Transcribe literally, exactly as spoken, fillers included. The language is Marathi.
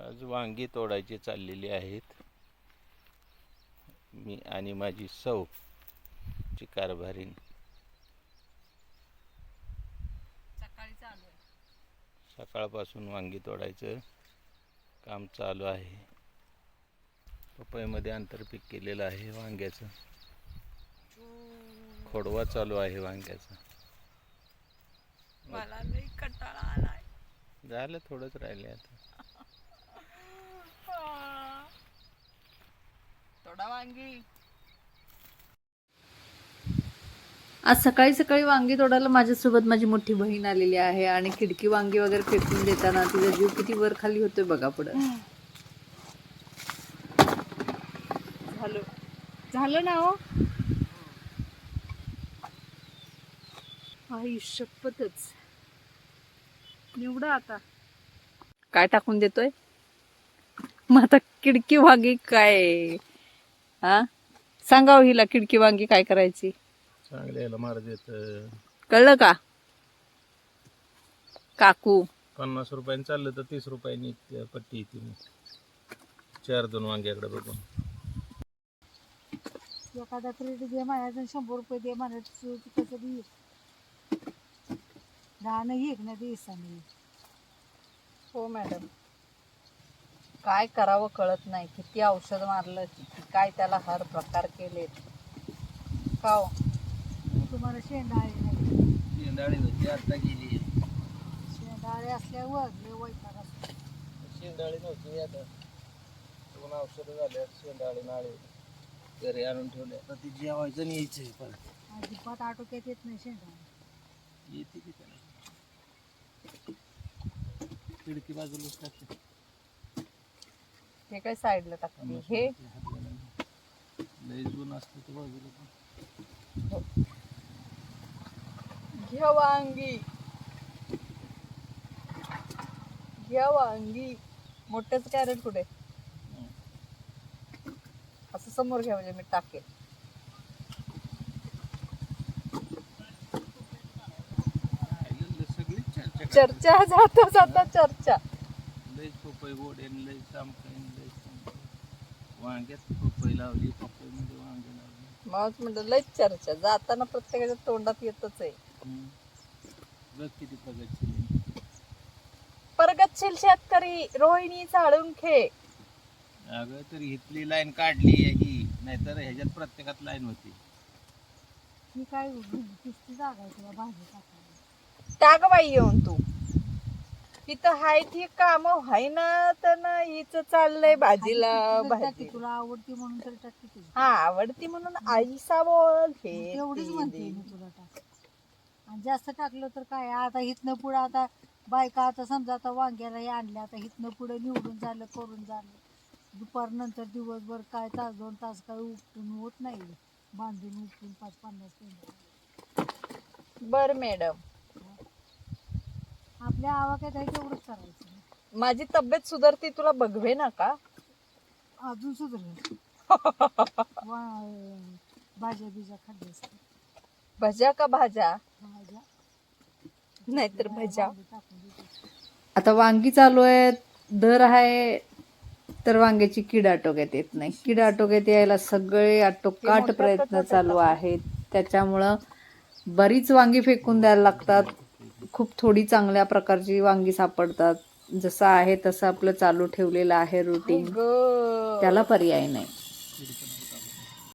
आज वांगी तोडायची चाललेली आहेत. मी आणि माझी सौ ची कारभारीण. सकाळी चालू आहे. सकाळपासून वांगी तोडायचं काम चालू आहे. पपईमध्ये आंतरपीक केलेलं आहे वांग्याचं. खोडवा चालू आहे वांग्याचा. मला लई कंटाळा आलाय. झालं, थोडंच राहिले आता. थोडा वांगी. आज सकाळी सकाळी वांगी तोडायला माझ्यासोबत माझी मोठी बहीण आलेली आहे आणि खिडकी वांगी वगैरे फेकून देताना तिचा जीव किती वर खाली होतोय बघा. पुढं झालं झालं ना हो. आई शपथच. निवडा आता. काय टाकून देतोय मग आता? खिडकी वांगी काय? हा, सांगाव हिला खिडकी वांगी काय करायची. चांगल्याला मार देत. कळलं का काकू? पन्नास रुपयाने चाललं तर तीस रुपयानी पट्टी येते. चार दोन वांग्याकडे बघून एखादा क्रेडिट दे म्हणायचं, शंभर रुपये दे म्हणायचं, कसं दे राहणं एक ना दिवसाने. हो मॅडम, काय करावं कळत नाही. किती औषध मारलं, किती काय त्याला हर प्रकार केलेत. का हो? तुम्हाला शेंडाळे नाही. शेंदाळी होती आता गेली. शेंडाळे असल्यावर लय वैताग असतो. शेंदाळी नव्हती आता. दोन औषधं झाल्या. शेंदाळी नाळे घरी आणून ठेवले. आता ती जेवायचं आणि यायचं परत. अजिबात आटोक्यात येत नाही शेंडाळे. येते की त्याला. खिडकी बाजूलाच टाकते. हे काय साईडला टाकते हे? लय जून असतं तर बाजूला पण. घ्या वांगी, घ्या वांगी. मोठ्याच कॅरेट कुठे? असं समोर घ्या म्हणजे मी टाकेल. सगळी चर्चा चर्चा जाता जाता चर्चा. लय पपई गोड आहे, लय चांपकाय, लय चांपकाय. वांग्यात पपई लावली, पपई मध्ये वांगे लावली. मग म्हणलं लयच चर्चा. जाताना प्रत्येकाच्या तोंडात येतच आहे. बघ किती प्रगतशील. प्रगतशील शेतकरी रोहिणी साळुंखे. अगं तर इथली लाईन काढली ही, नाहीतर ह्याच्यात प्रत्येकात लाईन होती. ही काय किस्ती जागा आहे तुला भाजी टाकायला. टाक बाई येऊन तू. इथं हाय ती काम हाय ना, तर ना हिच चाललंय भाजीला टाकी भाजी. तुला आवडती म्हणून तर टाकी तुझी. हा, आवडती म्हणून आईसा बोल हे तेवढीच ते म्हणते दे. मी तुला टाक. आणि जास्त टाकलं तर काय आता इथनं पुढं आता बायका आता समजा आता वांग्याला हे आणल्या, आता इथनं पुढं निवडून झालं, करून झालं, दुपार नंतर दिवसभर काय तास दोन तास काय उपटून होत नाही. बांधून उपटून पाच पन्नास मिनिट. बर मॅडम, आपल्या आवाक्यात आहे तेवढंच करायचं. माझी तब्येत सुधारती तुला बघवे ना का? अजून सुधरेल. भाज्या बिज्या खाल्ल्या असतात. भज्या का भाज्या? भाज्या नाहीतर भज्या. टाकून देते. आता वांगी चालू आहे, दर आहे, तर वांग्याची कीड आटोक्यात येत नाही. कीड आटोक्यात यायला सगळे आटोकाट प्रयत्न चालू आहेत. त्याच्यामुळं बरीच वांगी फेकून द्यायला लागतात. खूप थोडी चांगल्या प्रकारची वांगी सापडतात. जसं आहे तसं आपलं चालू ठेवलेलं आहे रुटीन, त्याला पर्याय नाही.